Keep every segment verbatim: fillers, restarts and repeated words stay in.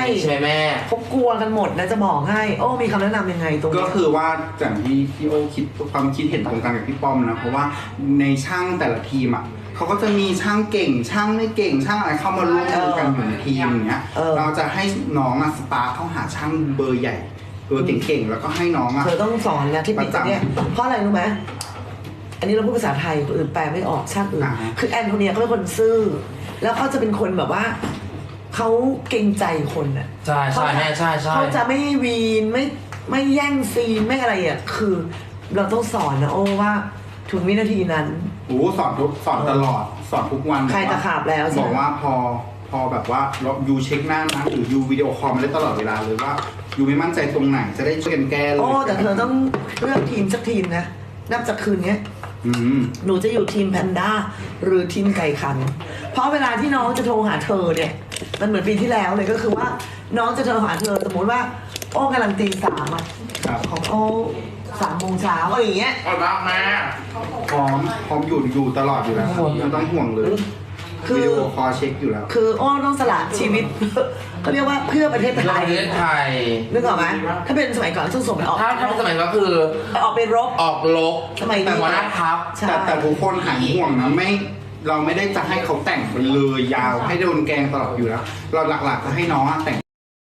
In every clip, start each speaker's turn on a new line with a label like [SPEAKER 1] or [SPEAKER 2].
[SPEAKER 1] ใช่ไหมแม่
[SPEAKER 2] เขากลัวกันหมดนะจะบอกให้โอ้มีคำแนะนำยังไงตรงนี้
[SPEAKER 3] ก็คือว่าจากที่พี่โอคิดความคิดเห็นตรงกันกับพี่ป้อมนะเพราะว่าในช่างแต่ละทีมอ่ะเขาก็จะมีช่างเก่งช่างไม่เก่งช่างอะไรเข้ามาร่วมมือกันอยู่ในทีมอย่างเงี้ยเราจะให้น้องอ่ะสปาร์คเข้าหาช่างเบอร์ใหญ่เบอร์เก่งๆแล้วก็ให้น้องอ่ะ
[SPEAKER 2] เธอต้องสอนนะที่ปิดเนี่ยเพราะอะไรรู้ไหมอันนี้เราพูดภาษาไทยคนอื่นแปลไม่ออกช่างอื่นคือแอนโทเนียเขาเป็นคนซื่อแล้วเขาจะเป็นคนแบบว่าเขาเกรงใจคนอ่ะ
[SPEAKER 1] ใช่ใช่แม่ใช่ใช่
[SPEAKER 2] เขาจะไม่วีนไม่ไม่แย่งซีนไม่อะไรอ่ะคือเราต้องสอนนะโอ้ว่าถึงวินาทีนั้น
[SPEAKER 3] โอ้สอนทุกสอนตลอดสอนทุกวัน
[SPEAKER 2] ใครจะขาบแล้ว
[SPEAKER 3] บอกว่าพอพอแบบว่าเรายูเช็คหน้านะหรือยูวิดีโอคอลมาได้ตลอดเวลาเลยว่ายูไม่มั่นใจตรงไหนจะได้ช่วยกันแก้เลย
[SPEAKER 2] โอ้แต่เธอต้องเลือกทีมสักทีมนะนับจากคืนนี้หนูจะอยู่ทีมแพนด้าหรือทีมไก่ขันเพราะเวลาที่น้องจะโทรหาเธอเนี่ยมันเหมือนปีที่แล้วเลยก็คือว่าน้องจะโทรหาเธอสมมติว่าโอ้กำลังตีสามอ่ะของโอ้สามโมงเช้าอะไรอย่างเงี้ย
[SPEAKER 1] อร่อยมากแม่
[SPEAKER 3] พร้อมพร้อมอยู่อยู่ตลอดอยู่แล้วไม่ต้องห่วงเลยวิดีโอคอลเช็คอยู่แล้ว
[SPEAKER 2] คือโอ้ต้องสละชีวิตเขาเรียกว่าเพื่อประเทศไทย
[SPEAKER 1] ประเทศไทย
[SPEAKER 2] นึกออกไหมถ้าเป็นสมัยก่อนต้องส่งไปออก
[SPEAKER 1] ถ้าถ้าเป็นสมัยก็คือ
[SPEAKER 2] ออกไปรบ
[SPEAKER 1] ออกรบ
[SPEAKER 2] สมัยนี้
[SPEAKER 1] แต่ว่านะครับ
[SPEAKER 3] แต่แต่ทุกคนหายห่วงนะไม่เราไม่ได้จะให้เขาแต่งไปเลยยาวให้โดนแกงตลอดอยู่แล้วเราหลักๆจะให้น้องแต่ง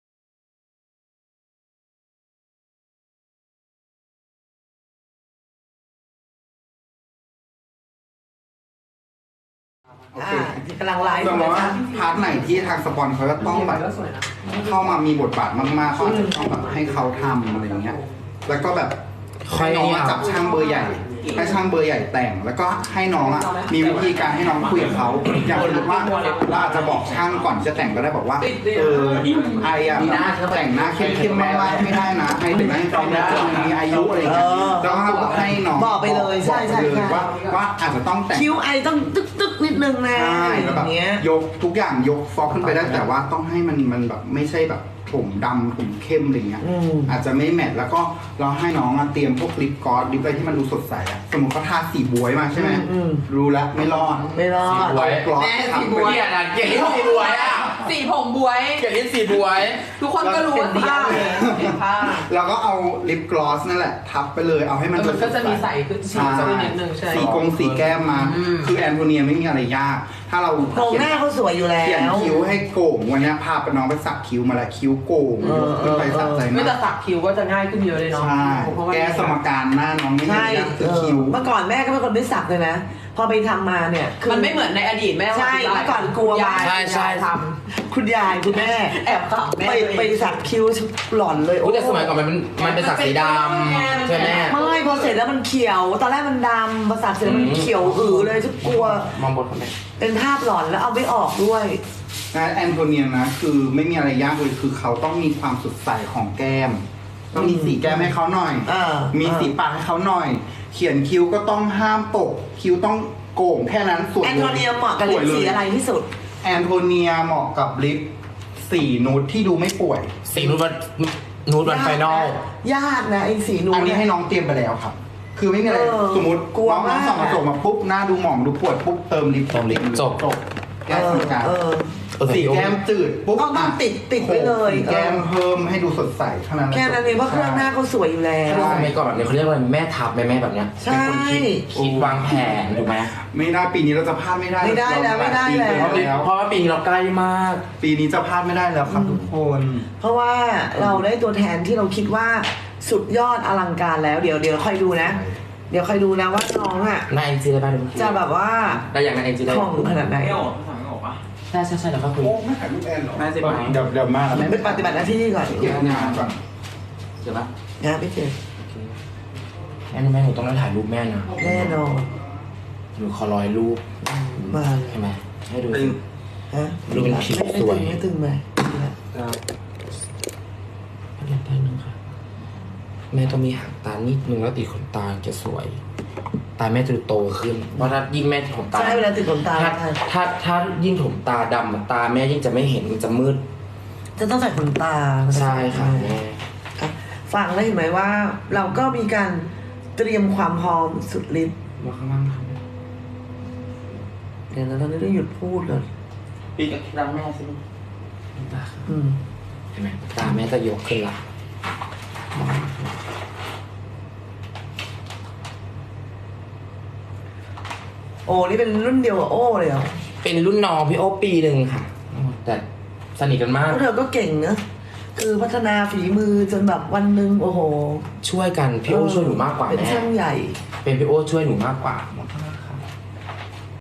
[SPEAKER 2] กำลังไลฟ์
[SPEAKER 3] แต่ว่าพาร์ทไหนที่ทางสปอนเขาจะต้องแบบเข้ามามีบทบาทมากๆเขาอาจจะต้องแบบให้เขาทำอะไรอย่างเงี้ยแล้วก็แบบให้น้องจับช่างเบอร์ใหญ่ให้ช่างเบอร์ใหญ่แต่งแล้วก็ให้น้องอ่ะมีวิธีการให้น้องคุยกับเขาอย่างสมมติว่าเราอาจจะบอกช่างก่อนจะแต่งก็ได้บอกว่าเออไออ่ะแต่งหน้าเข้มๆมากๆไม่ได้นะไอแต่งหน้าเข้มๆมีอายุอะไรอย่างเงี้ยแล้วก็ให้น้อง
[SPEAKER 2] บอกไปเลยใช่ใช่
[SPEAKER 3] ว่าว่าอาจจะต้องแต่ง
[SPEAKER 2] คิ้วไอต้องตึ๊กตึ๊กนิดนึงนะ
[SPEAKER 3] ใช่แล้วแบบยกทุกอย่างยกฟอกขึ้นไปได้แต่ว่าต้องให้มันมันแบบไม่ใช่แบบผมดำผมเข้มอะไรเงี้ยอาจจะไม่แมทแล้วก็เราให้น้องเตรียมพวกลิปกลอสลิปอะไรที่มันดูสดใสอะสมมติเขาทาสีบวยมาใช่ไหมรู้แล้วไม่รอด
[SPEAKER 2] ไม่รอด
[SPEAKER 1] บวย
[SPEAKER 2] แม่สีบวย
[SPEAKER 1] อ่ะเกลียดสีบวยอ่ะ
[SPEAKER 4] สีผมบวย
[SPEAKER 1] เกลียดสีบวย
[SPEAKER 4] ทุกคนก็รู้ว่าผ้าผ้า
[SPEAKER 3] เราก็เอาลิปกลอสนั่นแหละทับไปเลยเอาให้มัน
[SPEAKER 4] มันก็จะมีใสขึ้นสีสักนิดนึงใช่
[SPEAKER 3] สีกงสีแก้มมาคือแอนโทเนียไม่มีอะไรยากถ้าเรา
[SPEAKER 2] โครงหน้าเขาสวยอยู่แล้ว
[SPEAKER 3] เขียนคิ้วให้โก่งวันนี้พาไปน้องไปสักคิ้วมาแล้วคิ้วโก่งขึ้นไปสักใจ
[SPEAKER 4] ไม่แต่สักคิ้วก็จะง่ายขึ้นเยอะเลยเนาะ
[SPEAKER 3] ใช่แก้สมการหน้าน้องไม่ได้คือคิ้ว
[SPEAKER 2] เมื่อก่อนแม่ก็เป็นคนไม่สักเลยนะพอไปทำมาเนี่ย
[SPEAKER 4] มันไม่เหมือนในอดีตแม่
[SPEAKER 2] ใช่เมื่อก่อนกลัวมา
[SPEAKER 1] ใช่ใช่
[SPEAKER 2] ทำคุณยายคุณแม่
[SPEAKER 4] แอบขับแม่
[SPEAKER 2] ไปไปสักคิ้วหล่อนเลย
[SPEAKER 1] โอ้แต่สมัยก่อนมันมันเป็นสักสีดำใช่ไหม
[SPEAKER 2] ไม่พอเสร็จแล้วมันเขียวตอนแรกมันดำพอสักเสร็จแล้วมันเขียวอือเลยทุกกลัว
[SPEAKER 1] มองบนคนไหน
[SPEAKER 2] เป็นภาพหลอนแล้วเอาไม่ออกด้วย
[SPEAKER 3] งานแอนโทเนียนะคือไม่มีอะไรยากเลยคือเขาต้องมีความสดใสของแก้มต้องมีสีแก้มให้เขาหน่อยมีสีปากให้เขาหน่อยเขียนคิ้วก็ต้องห้ามตกคิ้วต้องโก่งแค่นั้นส่วน
[SPEAKER 2] แอนโทเนียเหมาะกับลิปสีอะไรที่สุด
[SPEAKER 3] แอนโทเนียเหมาะกับลิปสีนูดที่ดูไม่ป่วย
[SPEAKER 1] สีนูดวันนูดวันไฟนอล
[SPEAKER 2] ยากนะไอ้สีนูด
[SPEAKER 3] อันนี้ให้น้องเตรียมไปแล้วครับคือไม่มีอะไรสมมติน้องน้องส่องกระจกมาปุ๊บหน้าดูหมองดูปวดปุ๊บเติมลิป
[SPEAKER 1] เติมลิปจบ
[SPEAKER 3] แก้สีการสีแก้มจืดปุ๊บ
[SPEAKER 2] ต้องติดติดไว้เลย
[SPEAKER 3] แก้มเพิ่มให้ดูสดใสเท่านั้น
[SPEAKER 2] แค่นั้นเองเพราะเครื่องหน้าเขาสวยอยู่แล้ว
[SPEAKER 1] สมัยก่อนแบบนี้เขาเรียกว่าแม่ทับแม่แม่แบบเนี้ยเป็นคนคิดคิดวางแผนถูกไหม
[SPEAKER 3] ไม่ได้ปีนี้เราจะพลาดไม่ได้
[SPEAKER 2] ไม่ได้แล้วไม่ได้
[SPEAKER 1] แล้วเพราะว่าปีนี้เราใกล้มาก
[SPEAKER 3] ปีนี้จะพลาดไม่ได้แล้วครับทุกคน
[SPEAKER 2] เพราะว่าเราได้ตัวแทนที่เราคิดว่าสุดยอดอลังการแล้วเดี๋ยวเดี๋ยวค่อยดูนะเดี๋ยวค่อยดูนะว่าน้องอ่ะ
[SPEAKER 1] นายเอ็นจีได้ป่ะ
[SPEAKER 2] จะแบบว่า
[SPEAKER 1] ได้อย่างนายเอ็นจีได้
[SPEAKER 2] ของขนาดไหน
[SPEAKER 1] ใช่ใช่ใช่เดี๋ยวเขาคุย
[SPEAKER 3] ไม่ถ่ายรูปแอนหรอ
[SPEAKER 1] ไม่ใช่ไหม
[SPEAKER 3] เดี๋ยวเดี๋ยวมาแล้ว
[SPEAKER 2] ไม่ปฏิบัติหน้าที่ก่อน
[SPEAKER 3] เก็บงานก่อน
[SPEAKER 1] เจอปะ
[SPEAKER 2] งานไม่เจอ
[SPEAKER 1] แม่แม่หนูต้องได้ถ่ายรูปแม่นะ
[SPEAKER 2] แน่นอน
[SPEAKER 1] หนูขอรอยรูป
[SPEAKER 2] มา
[SPEAKER 1] ใช่ไหมให้ดู
[SPEAKER 2] ฮะ
[SPEAKER 1] ดูเป็นผิวสวย
[SPEAKER 2] ไม่ตึงไหม
[SPEAKER 1] เดี๋ยวแป๊บนึงค่ะแม่ต้องมีหางตานิดนึงแล้วติดขนตาจะสวยตาแม่จะโตขึ้นเพราะถ้ายิ่งแม่ถมตา
[SPEAKER 2] ใช่เวลาติดขนตา
[SPEAKER 1] ถ้าถ้าถ้ายิ่งถมตาดำตาแม่ยิ่งจะไม่เห็นมันจะมืด
[SPEAKER 2] จะต้องใส่ขนตา
[SPEAKER 1] ใช่ค่ะแม่
[SPEAKER 2] ฟังได้เห็นไหมว่าเราก็มีการเตรียมความพร้อมสุดฤทธิ์
[SPEAKER 1] มาข้างล่างค่ะ
[SPEAKER 2] เดี๋ยวเราต้องหยุดพูดเลย
[SPEAKER 1] ปีกับรังแม่สิ
[SPEAKER 2] อืม
[SPEAKER 1] เห็นไหมตาแม่จะยกขึ้นละ
[SPEAKER 2] โอ้นี่เป็นรุ่นเดียวกับโอ้เลยเหรอ
[SPEAKER 1] เป็นรุ่นน้องพี่โอปีหนึ่งค่ะ แต่สนิทกันมาก
[SPEAKER 2] พวกเธอก็เก่งนะคือพัฒนาฝีมือจนแบบวันหนึ่งโอ้โห
[SPEAKER 1] ช่วยกันพี่โอช่วยหนูมากกว่า
[SPEAKER 2] เป็น
[SPEAKER 1] แม่
[SPEAKER 2] ช่างใหญ่
[SPEAKER 1] เป็นพี่โอช่วยหนูมากกว่า